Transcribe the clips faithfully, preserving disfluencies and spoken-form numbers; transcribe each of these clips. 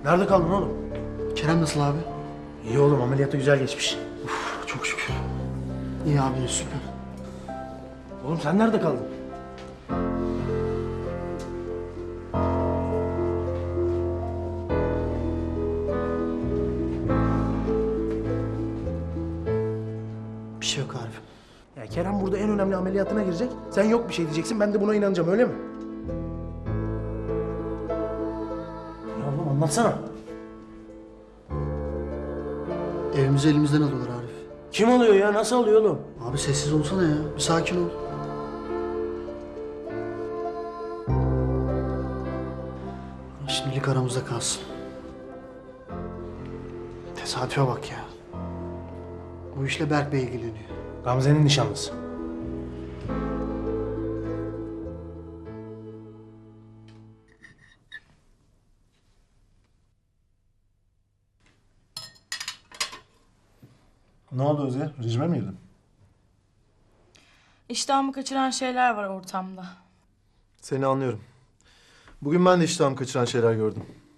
Nerede kaldın oğlum? Kerem nasıl abi? İyi oğlum, ameliyatı güzel geçmiş. Uf, çok şükür. İyi abi, süper. Oğlum sen nerede kaldın? Bir şey yok Arif. Ya Kerem burada en önemli ameliyatına girecek. Sen yok bir şey diyeceksin, ben de buna inanacağım, öyle mi? Ya oğlum anlatsana. Evimizi elimizden alıyorlar Arif. Kim alıyor ya? Nasıl alıyor oğlum? Abi sessiz olsana ya. Bir sakin ol. Şimdilik aramızda kalsın. Tesadüfe bak ya. Bu işle Berk Bey ilgileniyor. Gamze'nin nişanlısı. Ne oldu Özge? Rejime mi girdin? İştahımı kaçıran şeyler var ortamda. Seni anlıyorum. Bugün ben de iştahımı kaçıran şeyler gördüm.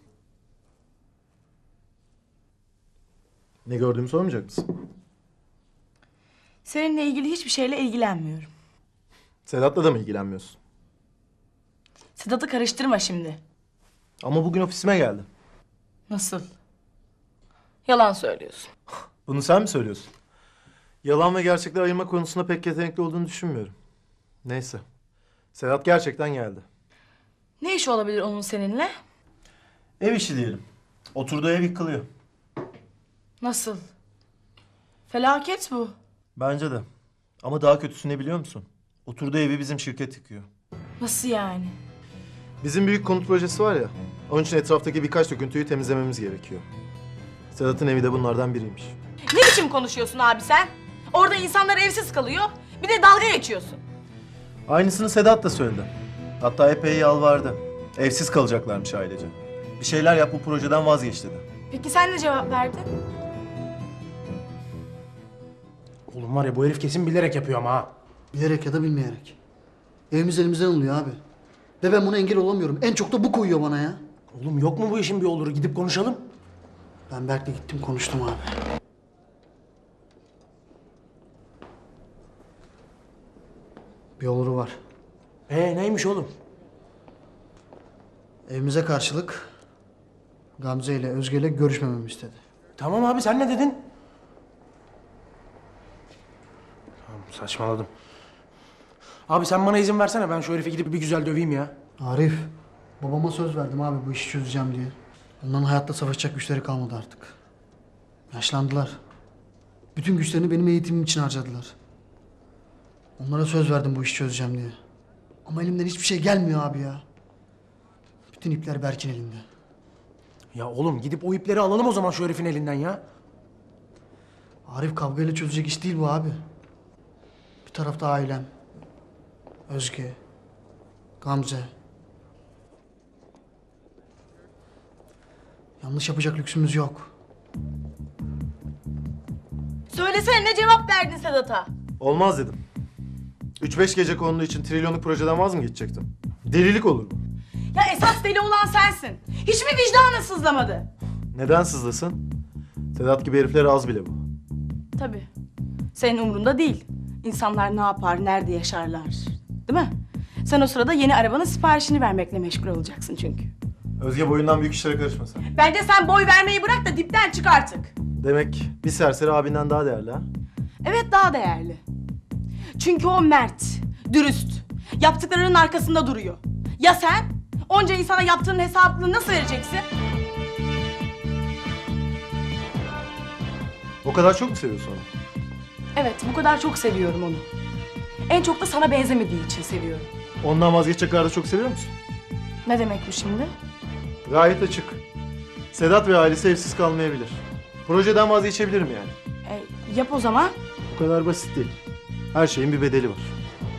Ne gördüğümü sormayacak mısın? Seninle ilgili hiçbir şeyle ilgilenmiyorum. Sedat'la da mı ilgilenmiyorsun? Sedat'ı karıştırma şimdi. Ama bugün ofisime geldi. Nasıl? Yalan söylüyorsun. Bunu sen mi söylüyorsun? Yalan ve gerçekleri ayırma konusunda pek yetenekli olduğunu düşünmüyorum. Neyse. Sedat gerçekten geldi. Ne iş olabilir onun seninle? Ev işi diyelim. Oturduğu ev yıkılıyor. Nasıl? Felaket bu. Bence de. Ama daha kötüsü ne biliyor musun? Oturduğu evi bizim şirket yıkıyor. Nasıl yani? Bizim büyük konut projesi var ya. Onun için etraftaki birkaç döküntüyü temizlememiz gerekiyor. Sedat'ın evi de bunlardan biriymiş. Ne biçim konuşuyorsun abi sen? Orada insanlar evsiz kalıyor. Bir de dalga geçiyorsun. Aynısını Sedat da söyledi. Hatta epey yalvardı. Evsiz kalacaklarmış ailece. Bir şeyler yap, bu projeden vazgeç dedi. Peki sen ne cevap verdin? Oğlum var ya, bu herif kesin bilerek yapıyor ama ha. Bilerek ya da bilmeyerek. Evimiz elimizden alıyor abi. Ve ben buna engel olamıyorum. En çok da bu koyuyor bana ya. Oğlum yok mu bu işin bir oluru? Gidip konuşalım. Ben Berk'le gittim, konuştum abi. Bir oluru var. Ee neymiş oğlum? Evimize karşılık Gamze ile Özge ile görüşmememi istedi. Tamam abi, sen ne dedin? Tamam, saçmaladım. Abi sen bana izin versene, ben şu herifi gidip bir güzel döveyim ya. Arif, babama söz verdim abi bu işi çözeceğim diye. Onların hayatta savaşacak güçleri kalmadı artık. Yaşlandılar. Bütün güçlerini benim eğitimim için harcadılar. Onlara söz verdim bu işi çözeceğim diye. Ama elimden hiçbir şey gelmiyor abi ya. Bütün ipler Berk'in elinde. Ya oğlum gidip o ipleri alalım o zaman şu herifin elinden ya. Arif, kavgayla çözecek iş değil bu abi. Bir tarafta ailem. Özge. Gamze. Yanlış yapacak lüksümüz yok. Söylesene, ne cevap verdin Sedat'a? Olmaz dedim. Üç beş gece konulu için trilyonluk projeden vaz mı geçecektim? Delilik olur bu. Ya esas deli olan sensin. Hiç mi vicdanın sızlamadı? Neden sızlasın? Sedat gibi heriflere az bile bu. Tabii. Senin umrunda değil. İnsanlar ne yapar, nerede yaşarlar. Değil mi? Sen o sırada yeni arabanın siparişini vermekle meşgul olacaksın çünkü. Özge, boyundan büyük işlere karışma sen. Bence sen boy vermeyi bırak da dipten çık artık. Demek bir serseri abinden daha değerli ha? Evet, daha değerli. Çünkü o mert, dürüst. Yaptıklarının arkasında duruyor. Ya sen? Onca insana yaptığının hesabını nasıl vereceksin? O kadar çok mu seviyorsun onu? Evet, bu kadar çok seviyorum onu. En çok da sana benzemediği için seviyorum. Ondan vazgeçecek kadar da çok seviyor musun? Ne demek bu şimdi? Gayet açık. Sedat ve ailesi evsiz kalmayabilir. Projeden vazgeçebilirim yani. E, yap o zaman. Bu kadar basit değil. Her şeyin bir bedeli var.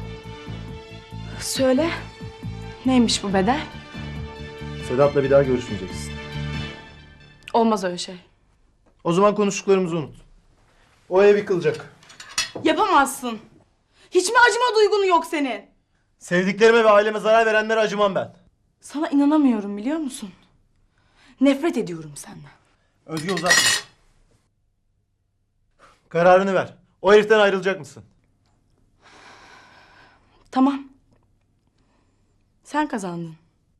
Söyle. Neymiş bu bedel? Sedat'la bir daha görüşmeyeceksin. Olmaz öyle şey. O zaman konuştuklarımızı unut. O ev yıkılacak. Yapamazsın. Hiç mi acıma duygun yok senin? Sevdiklerime ve aileme zarar verenlere acımam ben. Sana inanamıyorum, biliyor musun? Nefret ediyorum senden. Özge uzatma. Kararını ver. O heriften ayrılacak mısın? Tamam. Sen kazandın.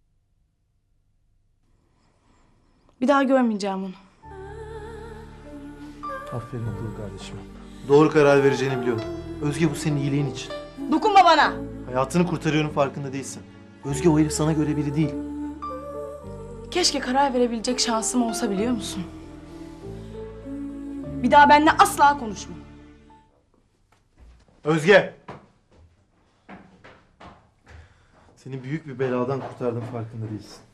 Bir daha görmeyeceğim onu. Aferin akıllı kardeşim. Doğru karar vereceğini biliyorum. Özge bu senin iyiliğin için. Dokunma bana. Hayatını kurtarıyorum farkında değilsin. Özge o herif sana göre biri değil. Keşke karar verebilecek şansım olsa biliyor musun? Bir daha benimle asla konuşma. Özge! Seni büyük bir beladan kurtardım farkında değilsin.